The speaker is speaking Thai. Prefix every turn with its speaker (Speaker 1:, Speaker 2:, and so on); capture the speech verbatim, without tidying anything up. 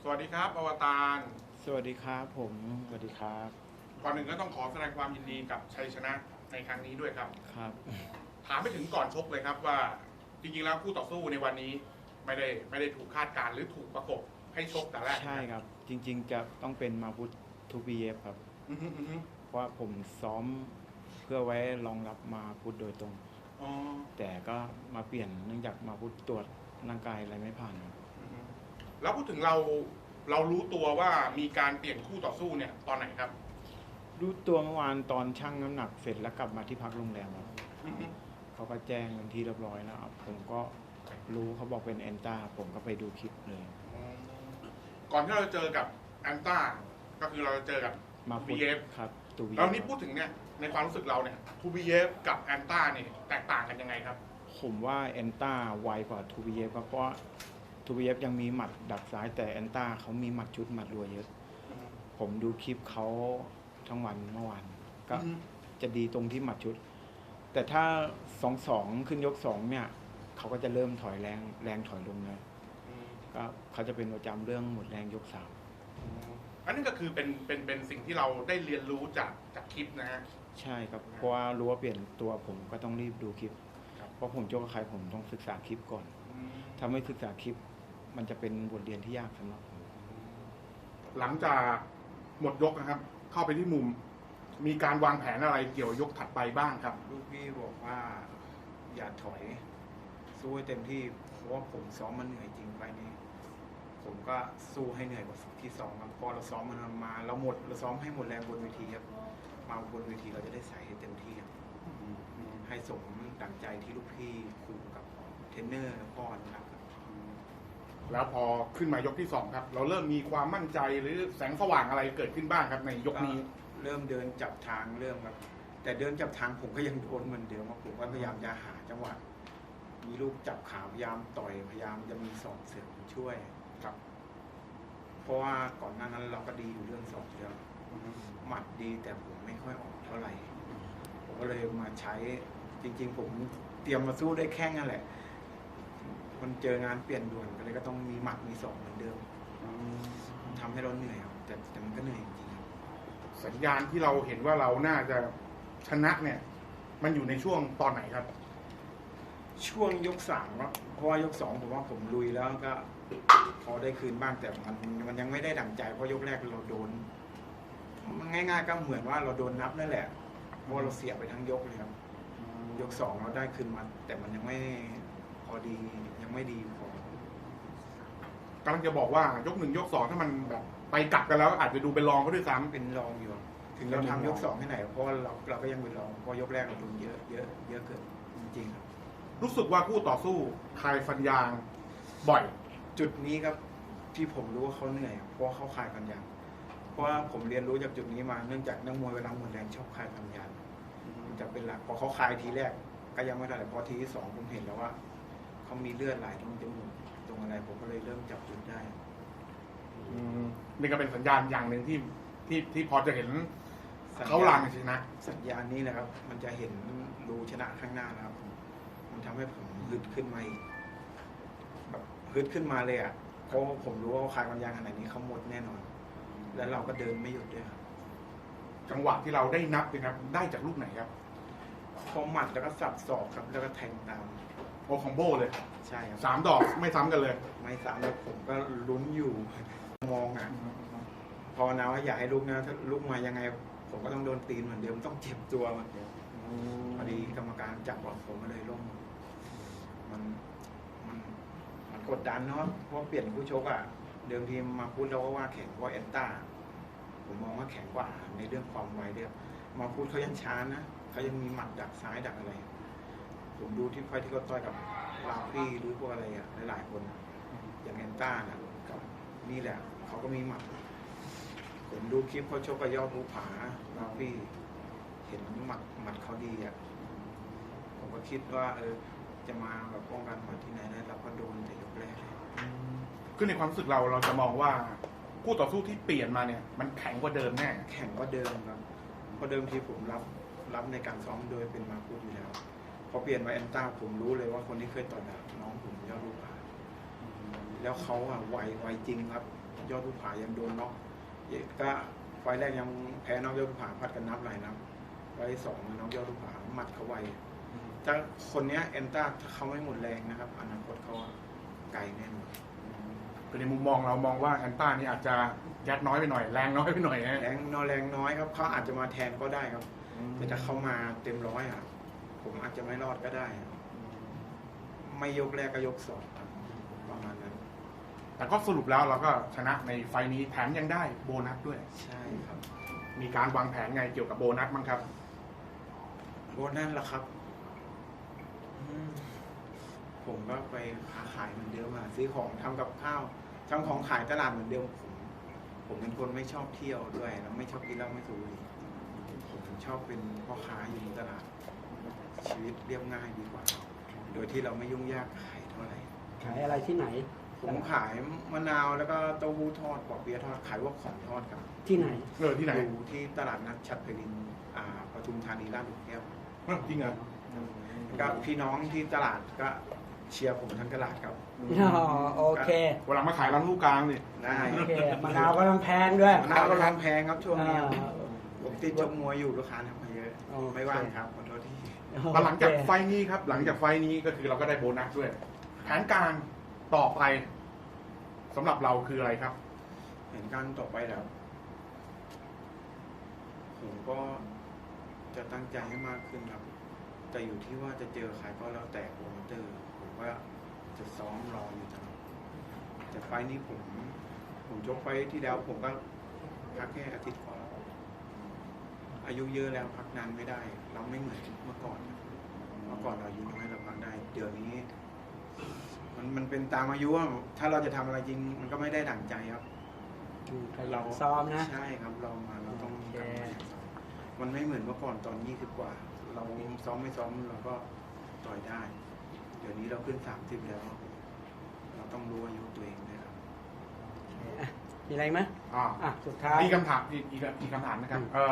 Speaker 1: สวัสดีครับอวตาร
Speaker 2: สวัสดีครับผมสวัสดีครับ
Speaker 1: ก่อนหนึ่งก็ต้องขอแสดงความยินดีกับชัยชนะในครั้งนี้ด้วยครับ
Speaker 2: ครับ
Speaker 1: ถามไปถึงก่อนชกเลยครับว่าจริงๆแล้วคู่ต่อสู้ในวันนี้ไม่ได้ไม่ได้ถูกคาดการณ์หรือถูกประกบให้ชกแต่แรก
Speaker 2: ใช่ครับจริงๆจะต้องเป็นมาพุททูบีเอฟครับ
Speaker 1: อือฮึอือฮึ
Speaker 2: เพราะว่าผมซ้อมเพื่อไว้รองรับมาพุทโดยตรง
Speaker 1: อ๋อ
Speaker 2: แต่ก็มาเปลี่ยนเนื่องจากมาพุทตรวจร่างกายอะไรไม่ผ่านครับ
Speaker 1: อือฮึแล้วพูดถึงเราเรารู้ตัวว่ามีการเปลี่ยนคู่ต่อสู้เนี่ยตอนไหนครับ
Speaker 2: รู้ตัวเมื่อวานตอนชั่งน้ำหนักเสร็จแล้วกลับมาที่พักโรงแรมครับ
Speaker 1: อือฮึ
Speaker 2: เขาก็แจ้งเป็นที่เรียบร้อยแล้วครับผมก็รู้เขาบอกเป็นแอนต้าผมก็ไปดูคลิปเลย
Speaker 1: อ๋อก่อนที่เราจะเจอกับแอนต้าก็คือเราจะเจอกับ
Speaker 2: มาพุท
Speaker 1: บี เอฟ
Speaker 2: ครับตูบี
Speaker 1: แล้วนี่พูดถึงเนี่ยในความรู้สึกเราเนี่ย ทู บี เอฟ กับแอนต้าเนี่ยแตกต่างกันยังไงครับ
Speaker 2: ผมว่าแอนต้าไวกว่าทูบีเอฟเพราะว่าทูบีเอฟยังมีหมัดดักซ้ายแต่แอนต้าเขามีหมัดชุดหมัดรัวเยอะ ผมดูคลิปเขาทั้งวันเมื่อวานก็จะดีตรงที่หมัดชุด แต่ถ้าสองสองขึ้นยกสองเนี่ยเขาก็จะเริ่มถอยแรงแรงถอยลงเลยก็เขาจะเป็นประจำเรื่องหมดแรงยกสาม
Speaker 1: อันนั้นก็คือเป็นเป็นเป็นสิ่งที่เราได้เรียนรู้จากจากคลิปนะฮะ
Speaker 2: ใช่ครับเพราะว่ารู้ว่าเปลี่ยนตัวผมก็ต้องรีบดูคลิปเพราะผมโจกกับใครผมต้องศึกษาคลิปก่อนถ้าไม่ศึกษาคลิปมันจะเป็นบทเรียนที่ยากสำหรับผม
Speaker 1: หลังจากหมดยกนะครับ เข้าไปที่มุม มีการวางแผนอะไรเกี่ยวยกถัดไปบ้างครับ
Speaker 2: ลูกพี่บอกว่าอย่าถอยสู้ให้เต็มที่เพราะว่าผมซ้อมมันเหนื่อยจริงไปนี้ผมก็สู้ให้เหนื่อยกว่าที่สองครับพอเราซ้อมมันมาเราหมดเราซ้อมให้หมดแรงบนเวทีครับมาบนเวทีเราจะได้ใส่ให้เต็มที่ครับให้สมดั่งใจที่ลูกพี่ครูกับเทรนเนอร์พ่อนะครับ
Speaker 1: แล้วพอขึ้นมายกที่สองครับ เราเริ่มมีความมั่นใจหรือแสงสว่างอะไรเกิดขึ้นบ้างครับในยกนี้
Speaker 2: เริ่มเดินจับทางเริ่มครับแต่เดินจับทางผมก็ยังโดนเหมือนเดิมครับผมก็พยายามจะหาจังหวะมีลูกจับขาพยายามต่อยพยายามจะมีศอกเสริมช่วยครับเพราะว่าก่อนหน้านั้นเราก็ดีอยู่เรื่องศอกเยอะหมัดดีแต่ผมไม่ค่อยออกเท่าไหร่ผมก็เลยมาใช้จริงๆผมเตรียมมาสู้ได้แค่นั้นแหละมันเจองานเปลี่ยนด่วนก็เลยก็ต้องมีหมัดมีศอกเหมือนเดิมทำให้เราเหนื่อยครับแต่แต่มันก็เหนื่อยจริง
Speaker 1: สัญญาณที่เราเห็นว่าเราน่าจะชนะเนี่ย มันอยู่ในช่วงตอนไหนครับ
Speaker 2: ช่วงยกสามครับเพราะว่ายกสองผมว่าผมลุยแล้วก็พอได้คืนบ้างแต่มันมันยังไม่ได้ดั่งใจเพราะยกแรกเราโดนมันง่ายๆก็เหมือนว่าเราโดนนับนั่นแหละเพราะเราเสียไปทั้งยกเลยครับยกสองเราได้คืนมาแต่มันยังไม่พอดียังไม่ดีพอก
Speaker 1: ำลังจะบอกว่ายกหนึ่งยกสองถ้ามันแบบไปกลับกันแล้วอาจจะดูเป็นรองก็ด้วยซ้ำ
Speaker 2: เป็นรองอยู่ถึงเราทำยกสองให้ไหนเพราะเราเราก็ยังเป็นรองเพราะยกแรกเราโดนเยอะเยอะเยอะเกินจริงๆครับ
Speaker 1: รู้สึกว่าคู่ต่อสู้คลายฟันยางบ่อย
Speaker 2: จุดนี้ครับที่ผมรู้ว่าเขาเหนื่อยเพราะเขาคลายฟันยางเพราะว่าผมเรียนรู้จากจุดนี้มาเนื่องจากนักมวยเวลาหมดแรงชอบคลายฟันยางมันจะเป็นหลักพอเขาคลายทีแรกก็ยังไม่ได้แต่พอทีที่สองผมเห็นแล้วว่าเขามีเลือดไหลตรงจมูกตรงอะไรผมก็เลยเริ่มจับจุดได้
Speaker 1: นี่ก็เป็นสัญญาณอย่างหนึ่งที่ที่ที่พอจะเห็นเขาหลังชนะ
Speaker 2: สัญญาณนี้นะครับมันจะเห็นรูชนะข้างหน้านะครับมันทำให้ผมฮึดขึ้นมาอีกแบบฮึดขึ้นมาเลยอ่ะเพราะผมรู้ว่าคลายฟันยางขนาดนี้เขาหมดแน่นอนแล้วเราก็เดินไม่หยุดด้วยครับ
Speaker 1: จังหวะที่เราได้นับนะครับได้จากลูกไหนครับ
Speaker 2: พอหมัดแล้วก็สับศอกครับแล้วก็แทงตาม
Speaker 1: โอคอมโบเลย
Speaker 2: ใช่ครับ
Speaker 1: สามดอกไม่ซ้ำกันเลย
Speaker 2: ไม่ซ้ำแล้วผมก็ลุ้นอยู่มองอ่ะพอนะว่าอยากให้ลุกนะถ้าลุกมายังไงผมก็ต้องโดนตีนเหมือนเดิมต้องเจ็บตัวเหมือนเดิมพอดีกรรมการจับว่าผมก็เลยล้มมันมันมันกดดันเนาะเพราะเปลี่ยนผู้ชกอ่ะเดิมทีมาพูดแล้วว่าแข็งกว่าแอนต้าผมมองว่าแข็งกว่าในเรื่องความไวเดียวมาพูดเขายังช้านะเขายังมีหมัดดักซ้ายดักอะไรผมดูที่ไฟที่เขาต่อยกับลาฟี่หรือพวกอะไรอ่ะหลายๆคนอย่างแอนต้านะกับนี่แหละเขาก็มีหมัดผมดูคลิปเขาชกกับยอดภูผาลาฟี่เห็นหมัดหมัดเขาดีอ่ะผมก็คิดว่าเออจะมาแบบป้องกันหมัดที่ไหนได้เราก็โดนแต่ยกแรก
Speaker 1: คือในความรู้สึกเราเราจะมองว่าคู่ต่อสู้ที่เปลี่ยนมาเนี่ยมันแข็งกว่าเดิมแน่
Speaker 2: แข็งกว่าเดิมครับเพราะเดิมที่ผมรับรับในการซ้อมโดยเป็นมาพูดอยู่แล้วพอเปลี่ยนมาแอนต้าผมรู้เลยว่าคนที่เคยต่อยแบบน้องผมยอดภูผาแล้วเขาอ่ะไวไวจริงครับยอดภูผายังโดนน็อกก็ไฟล์แรกยังแพ้น็อกยอดภูผาพัดกันนับหลายนับไฟล์สองน็อกยอดภูผาหมัดเขาไวถ้าคนเนี้ยเอนต้าถ้าเขาไม่หมดแรงนะครับอนาคตเขาไกลแน่นอน
Speaker 1: คือในมุมมองเรามองว่าแอนต้านี่อาจจะยัดน้อยไปหน่อยแรงน้อยไปหน่อยฮะ
Speaker 2: แรงน้อยแรงน้อยครับเขาอาจจะมาแทนก็ได้ครับแต่ถ้าเขามาเต็มร้อยอ่ะผมอาจจะไม่รอดก็ได้อะไม่ยกแรกก็ยกสองครับประมาณนั้น
Speaker 1: แต่ก็สรุปแล้วเราก็ชนะในไฟล์นี้แถมยังได้โบนัสด้วย
Speaker 2: ใช่ครับ
Speaker 1: มีการวางแผนไงเกี่ยวกับโบนัสบ้างครับ
Speaker 2: โบนัสล่ะครับอืมผมก็ไปค้าขายเหมือนเดิมอะซื้อของทำกับข้าวทำของขายตลาดเหมือนเดิมผมผมเป็นคนไม่ชอบเที่ยวด้วยแล้วไม่ชอบกินเหล้าไม่สูบบุหรี่ผมชอบเป็นพ่อค้าอยู่ในตลาด ชีวิตเรียบง่ายดีกว่า โดยที่เราไม่ยุ่งยากขายเท่าไหร่
Speaker 3: ขายอะไรที่ไหน
Speaker 2: ผมขายมะนาวแล้วก็เต้าหู้ทอดปอเปี๊ยะทอดขายพวกของทอดครับ
Speaker 3: ที่ไหน
Speaker 1: เออที่ไหน
Speaker 2: อยู่ที่ตลาดนัดฉัตรเพลินอ่าปทุมธานีลาดหลุมแก้ว
Speaker 1: เออจริงเหรอ
Speaker 2: ก็พี่น้องที่ตลาดก็เชียร์ผมทั้งตลาดครับ
Speaker 3: อ๋อโอเค
Speaker 1: เวลามาขายร้านลูกกลางนี่
Speaker 2: ได้
Speaker 3: โอเคมะนาวก็ต้องแพงด้วย
Speaker 2: มะนาวก็ร้านแพงครับช่วงนี้
Speaker 3: อ่า
Speaker 2: ผมติดชกมวยอยู่ลูกค้าทำมาเยอะ
Speaker 3: โอเค
Speaker 2: ไม่ว่างครับขอโทษที่
Speaker 1: แล้วหลังจากไฟล์นี้ครับ หลังจากไฟล์นี้ก็คือเราก็ได้โบนัสด้วย แผนการต่อไปสำหรับเราคืออะไรครับ
Speaker 2: เห็นการต่อไปแล้ว ผมก็จะตั้งใจให้มากขึ้นครับ แต่อยู่ที่ว่าจะเจอใครก็แล้วแต่โปรโมเตอร์ ผมว่าจะซ้อมรออยู่ตลอดแต่ไฟล์นี้ผม ผมยกไฟล์ที่แล้ว ผมก็พักแค่อาทิตย์กว่าอายุเยอะแล้วพักนานไม่ได้ เราไม่เหมือนเมื่อก่อนครับเมื่อก่อนเราอายุน้อยเราพักได้ เดี๋ยวนี้ มันมันเป็นตามอายุอะถ้าเราจะทำอะไรจริง มันก็ไม่ได้ดั่งใจครับ
Speaker 3: อืมขยันซ้อมนะ
Speaker 2: ใช่ครับเรามาเราต้อง
Speaker 3: โอเค
Speaker 2: กลับมาซ้อมมันไม่เหมือนเมื่อก่อนตอนยี่สิบกว่า เราซ้อมไม่ซ้อมเราก็ต่อยได้ เดี๋ยวนี้เราขึ้นสามสิบแล้ว เราต้องรู้อายุตัวเองนะครับ
Speaker 3: อ่ะมีอะไรไหม
Speaker 1: อ่า
Speaker 3: อ่ะ สุดท้าย
Speaker 1: มีคำถามอีกอีกอีกคำถามนะครับเออ